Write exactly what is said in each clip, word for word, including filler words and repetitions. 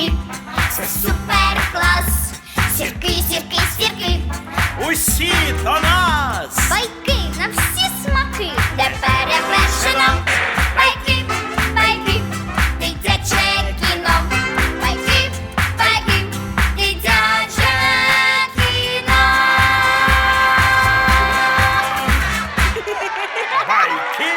сірки, це супер клас. Сірки, сірки, сірки, Усі до нас! байки на всі смаки, де перевершено. Байки, байки, дитяче кіно. Байки, байки, дитяче кіно. Байки!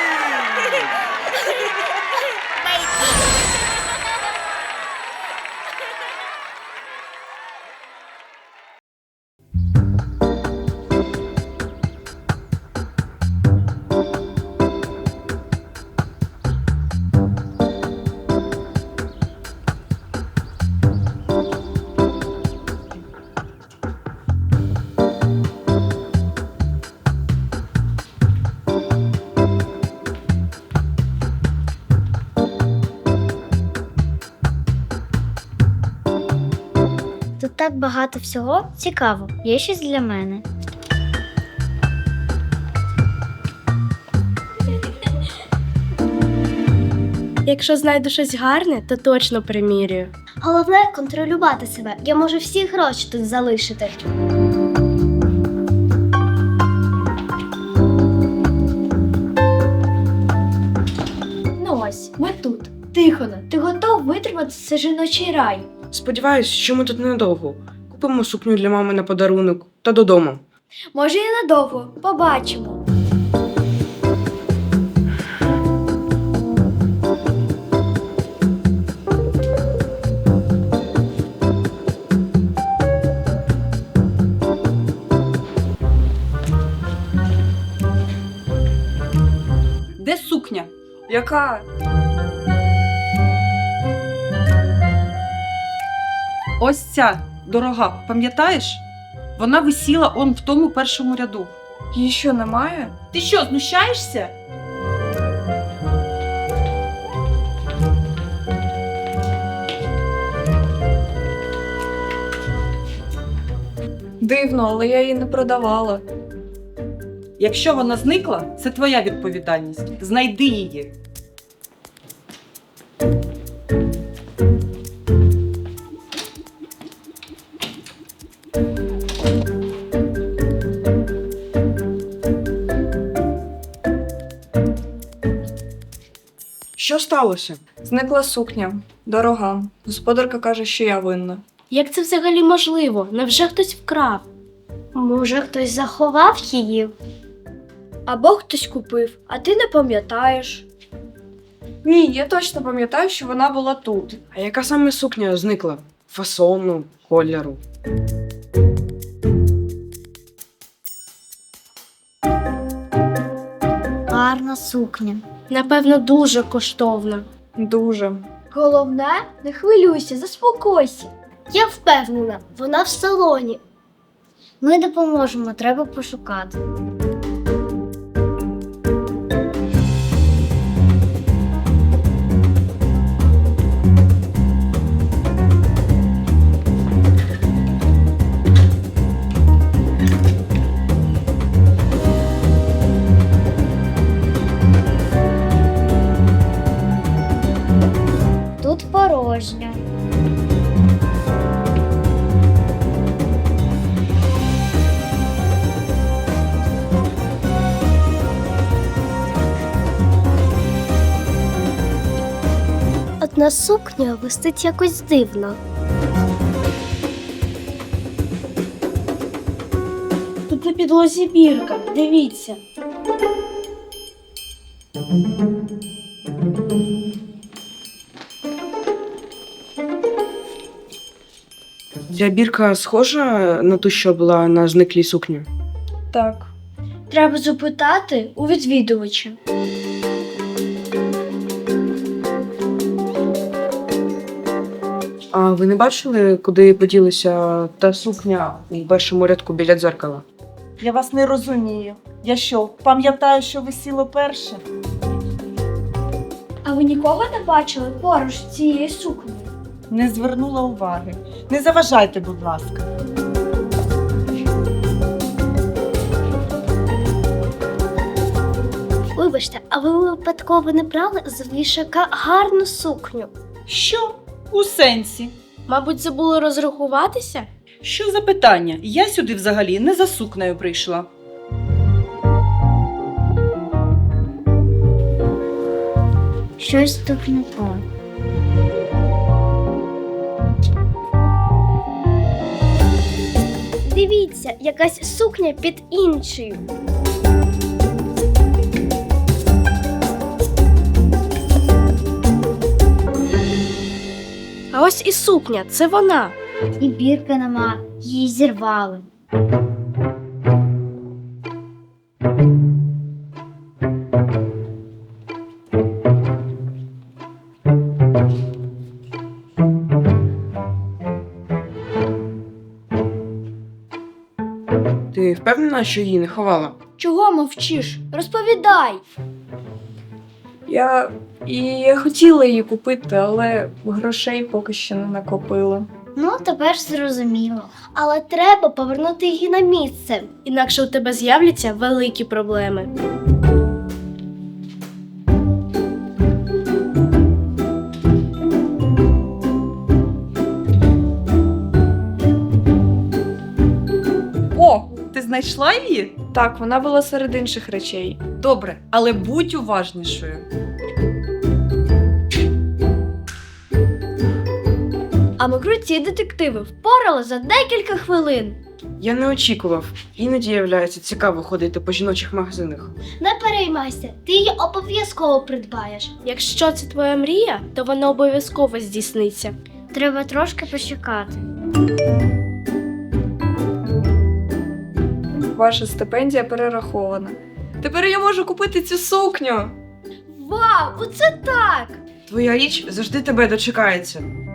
Тут так багато всього. Цікаво. Є щось для мене. Якщо знайду щось гарне, то точно примірюю. Головне контролювати себе. Я можу всі гроші тут залишити. Ну ось, ми тут. Тихоно, ти готов витримати цей жіночий рай? Сподіваюсь, що ми тут недовго. Купимо сукню для мами на подарунок та додому. Може, і надовго. Побачимо. Де сукня? Яка? Ось ця, дорога, пам'ятаєш? Вона висіла он в тому першому ряду. Її що, немає? Ти що, знущаєшся? Дивно, але я її не продавала. Якщо вона зникла, це твоя відповідальність. Знайди її. Що сталося? Зникла сукня. Дорога. Господарка каже, що я винна. Як це взагалі можливо? Невже хтось вкрав? Може, хтось заховав її? Або хтось купив, а ти не пам'ятаєш. Ні, я точно пам'ятаю, що вона була тут. А яка саме сукня зникла? Фасону, кольору. Гарна сукня. Напевно, дуже коштовна. Дуже. Головне, не хвилюйся, заспокойся. Я впевнена, вона в салоні. Ми допоможемо, треба пошукати. Тут порожньо. Одна сукня висить якось дивно. Тут на підлозі бірка, дивіться. Ця бірка схожа на ту, що була на зниклій сукні? Так. Треба запитати у відвідувача. А ви не бачили, куди поділася та сукня у першому рядку біля дзеркала? Я вас не розумію. Я що, пам'ятаю, що висіло перше? А ви нікого не бачили поруч з цією сукнею? Не звернула уваги. Не заважайте, будь ласка. Вибачте, а ви випадково не брали з вішака гарну сукню? Що? У сенсі? Мабуть, забули розрахуватися? Що за питання? Я сюди взагалі не за сукнею прийшла. Щось тут не так. Дивіться, якась сукня під іншою. А ось і сукня, це вона. І бірки нема, її зірвали. Ти впевнена, що її не ховала? Чого мовчиш? Розповідай. Я і я хотіла її купити, але грошей поки що не накопила. Ну, тепер зрозуміло. Але треба повернути її на місце. Інакше у тебе з'являться великі проблеми. О, ти знайшла її? Так, вона була серед інших речей. Добре, але будь уважнішою. А ми круті детективи впорали за декілька хвилин. Я не очікував. Іноді являється цікаво ходити по жіночих магазинах. Не переймайся, ти її обов'язково придбаєш. Якщо це твоя мрія, то вона обов'язково здійсниться. Треба трошки почекати. Ваша стипендія перерахована. Тепер я можу купити цю сукню. Вау, оце так! Твоя річ завжди тебе дочекається.